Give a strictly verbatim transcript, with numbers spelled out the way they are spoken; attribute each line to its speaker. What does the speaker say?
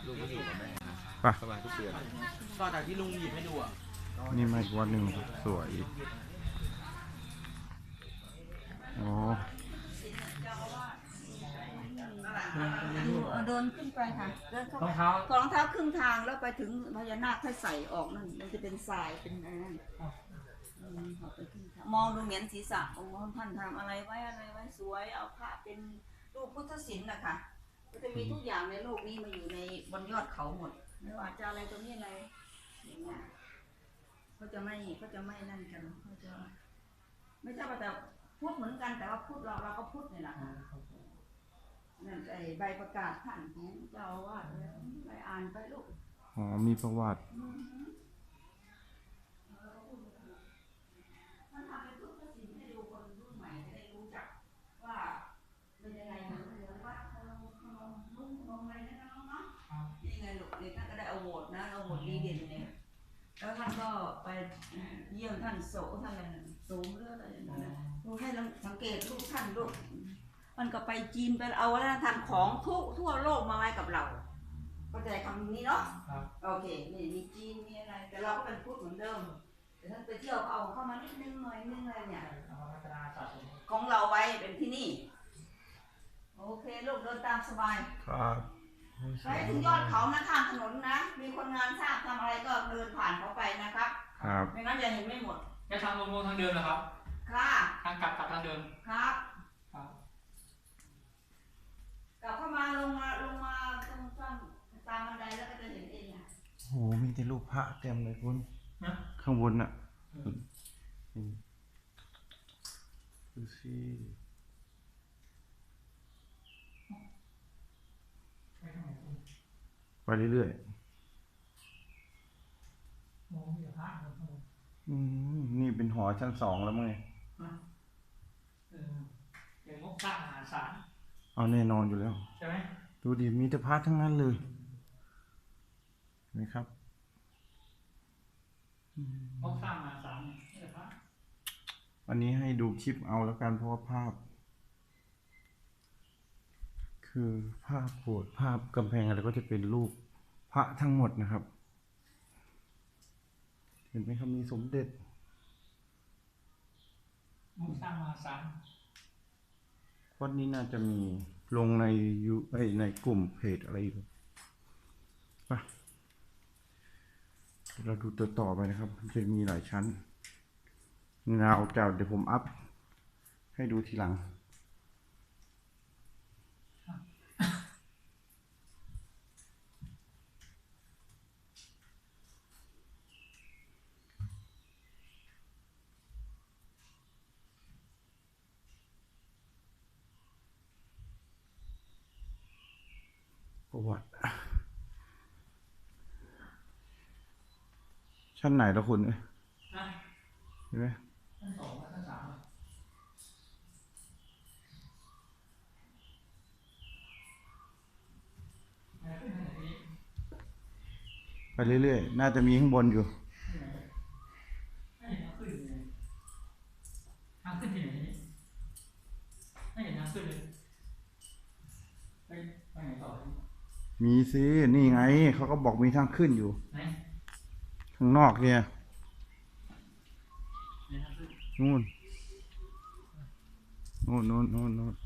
Speaker 1: ลุงก็อยู่กับแม่
Speaker 2: ไป
Speaker 1: ประมาณทุกเดือน
Speaker 3: ต่อจากที่ลุงหยิบให้ดูอ่ะ
Speaker 2: นี่มาอีกวัดหนึ่งสวยโอ้
Speaker 4: เดินขึ้นไปค่ะเดินเข้ารองเท้ารองเท้าครึ่งทางแล้วไปถึงพญานาคค่อยใส่ออกนั่นมันจะเป็นทรายเป็นอะไรนั่นมองดูเหมือนศีรษะองค์ท่านทำอะไรไว้อะไรไว้สวยเอาพระเป็นรูปพุทธศิลป์นะคะก็จะมีทุกอย่างในโลกนี้มาอยู่ในบนยอดเขาหมดไม่ว่าจะอะไรตรงนี้อะไรอย่างเงี้ยเขาจะไม่เขาจะไม่นั่นกันเขาจะไม่ใช่ว่าแต่พูดเหมือนกันแต่ว่าพูดเราเราก็พูดนี่แหละนั่นไอใบประกาศท่านของเจ้าอาวาสไปอ่านไปลูก
Speaker 2: อ๋อมีประวัติ
Speaker 4: มันทำเป็นทุกสิ่งให้ดูคนรุ่นใหม่จะได้รู้จักว่าเป็นยังไงเหมือนเหมือนวัดขนมขนมลุ่มขนมอะไรนะน้องเนาะนี่ไงลูกเด็กท่านก็ได้เอาโหวตนะเอาโหวตดีเด่นเนี่ยแล้วท่านก็ไปเยี่ยมท่านโสท่านอะไรโสมเรื่องอะไรอย่างเงี้ยดูให้สังเกตลูกท่านลูกมันก็ไปจีนไปเอาวัฒนธรรมของทุกทั่วโลกมาไว้กับเราเข้าใจคำนี้เนาะโอเคนี่มีจีนมีอะไรแต่เราก็เป็นพุทธเหมือนเดิมแต่ท่านไปเที่ยวเอาเข้ามานิดนึงหน่อยนึงอะไรเนี่ยของเราไว้เป็นที่นี่โอเคลูกเดินตามสบาย
Speaker 2: ครับ
Speaker 4: ไปถึงยอดเขานะทางถนนนะมีคนงานสร้างทำอะไรก็เดินผ่านเขาไปนะครับ
Speaker 2: ครับ
Speaker 4: ไม่งั้นจะเห็นไม่หมด
Speaker 3: แค่ทางลงลงทางเดินเหรอครับ
Speaker 4: ค่ะ
Speaker 3: ทางกลับกลับทางเดิน
Speaker 4: ครับกลับเข้ามาลงมาลงมาตรงตามตามบันไดแล้วก็จะเห็นเองอ่ะ
Speaker 2: โหมีแต่รูปพระเต็มเลยคุณข้างบนน่ะดูสิไปเรื่อยๆอืมนี่เป็นหอชั้นสองแล้วมั้งไง
Speaker 3: เป็นงบสร้างมหาศาล
Speaker 2: เอาแน่นอนอยู่แล้ว
Speaker 3: ใช่ไหม
Speaker 2: ดูดิมีแต่พระทั้งนั้นเลยเห็นไหมครับ
Speaker 3: งบสร้างมหาศาลเนี่ยพระ
Speaker 2: อันนี้ให้ดูคลิปเอาแล้วกันเพราะว่าภาพคือภาพโบสถ์ภาพกำแพงอะไรก็จะเป็นรูปพระทั้งหมดนะครับ เห็นไหมครับมีสมเด็จ
Speaker 3: งบสร้างมหาศาล
Speaker 2: วัดนี้น่าจะมีลงในยูในกลุ่มเพจอะไรอยู่ป่ะเราดูตัวต่อไปนะครับมันจะมีหลายชั้นนาเอาเก่าเดี๋ยวผมอัพให้ดูทีหลังประวัติชั้นไหนละคุณเห็นไหม
Speaker 3: ชั้นสองชั้นสาม
Speaker 2: ไปเรื่อยๆน่าจะมีข้างบนอยู่
Speaker 3: ทางขึ้นที่ไหนไม่เห็นทางขึ้นเลยไปไปไหนต่อ
Speaker 2: มีสินี่ไงเขาก็บอกมีทางขึ้นอยู่ข้างนอกเนี่ยนู่นนู่นนู่นนู่นนู่น